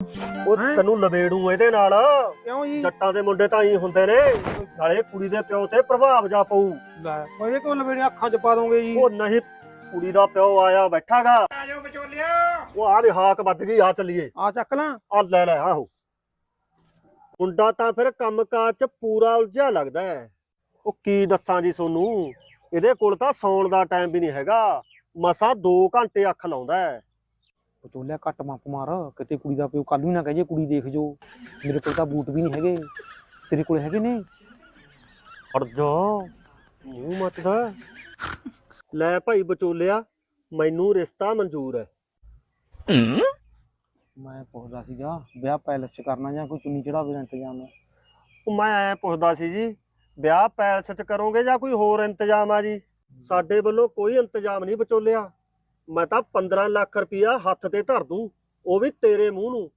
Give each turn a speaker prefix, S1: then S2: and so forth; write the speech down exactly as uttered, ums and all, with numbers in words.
S1: ਉਹ
S2: ਹੈਂ?
S1: ਤੈਨੂੰ ਲਵੇੜੂ ਇਹਦੇ ਨਾਲ।
S2: ਕਿਉਂ ਜੀ?
S1: ਜੱਟਾਂ ਦੇ ਮੁੰਡੇ ਤਾਂ ਹੀ ਹੁੰਦੇ ਨੇ, ਨਾਲੇ ਕੁੜੀ ਦੇ ਪਿਓ ਤੇ ਪ੍ਰਭਾਵ ਜਾ ਪਊ।
S2: ਲੈ ਉਹਦੇ ਕੋਲ ਲਵੇੜੇ ਅੱਖਾਂ 'ਚ ਪਾ ਦੋਗੇ ਜੀ।
S1: ਉਹ ਨਹੀਂ, ਕੁੜੀ ਦਾ ਪਿਓ ਆਇਆ ਬੈਠਾਗਾ।
S2: ਆ ਜਾਓ ਵਿਚੋਲਿਆ।
S1: ਉਹ ਆ ਦੇ ਹਾਕ ਵੱਜ ਗਈ, ਆ ਚੱਲੀਏ।
S2: ਆ ਚੱਕ ਲਾਂ।
S1: ਆ ਲੈ ਲੈ ਆਹੋ। ਮੁੰਡਾ ਤਾਂ ਫਿਰ ਕੰਮਕਾਜ ਚ ਪੂਰਾ ਉਲਝਿਆ ਲੱਗਦਾ ਹੈ। ਉਹ ਕੀ ਦੱਸਾਂ ਜੀ ਸੋਨੂੰ, ਇਹਦੇ ਕੋਲ ਤਾਂ ਸੌਣ ਦਾ ਟਾਈਮ ਵੀ ਨਹੀਂ ਹੈਗਾ। ਮਸਾਂ ਦੋ ਘੰਟੇ ਅੱਖ ਲਾਉਂਦਾ ਹੈ।
S2: ਵਿਚੋਲਿਆ ਘੱਟ ਮੱਪ ਮਾਰ, ਕਿਤੇ ਕੁੜੀ ਦਾ ਪਿਓ ਕੱਲ ਨੂੰ ਨਾ ਕਹੇ ਜੇ ਕੁੜੀ ਦੇਖ ਜੋ। ਮੇਰੇ ਕੋਲ ਤਾਂ ਬੂਟ ਵੀ ਨਹੀਂ ਹੈਗੇ, ਤੇਰੇ ਕੋਲ ਹੈਗੇ ਨੇ?
S1: ਹਟ ਜਾ, ਮੂੰਹ ਮੱਚਦਾ। ਲੈ ਭਾਈ ਵਿਚੋਲਿਆ, ਮੈਨੂੰ ਰਿਸ਼ਤਾ ਮਨਜ਼ੂਰ ਹੈ।
S2: ਮੈਂ ਪੁੱਛਦਾ ਸੀਗਾ ਵਿਆਹ ਪੈਲਸ 'ਚ ਕਰਨਾ ਜਾਂ ਕੋਈ ਚੁੰਨੀ ਚੜਾਵੇ ਦਾ ਇੰਤਜ਼ਾਮ ਹੈ?
S1: ਉਹ ਮੈਂ ਐ ਪੁੱਛਦਾ ਸੀ ਜੀ, ਵਿਆਹ ਪੈਲਸ ਚ ਕਰੋਗੇ ਜਾਂ ਕੋਈ ਹੋਰ ਇੰਤਜ਼ਾਮ ਆ ਜੀ? ਸਾਡੇ ਵੱਲੋਂ ਕੋਈ ਇੰਤਜ਼ਾਮ ਨਹੀਂ ਵਿਚੋਲਿਆ। ਮੈਂ ਤਾਂ ਪੰਦਰਾਂ ਲੱਖ ਰੁਪਇਆ ਹੱਥ ਤੇ ਧਰ ਦੂੰ, ਉਹ ਵੀ ਤੇਰੇ ਮੂੰਹ ਨੂੰ।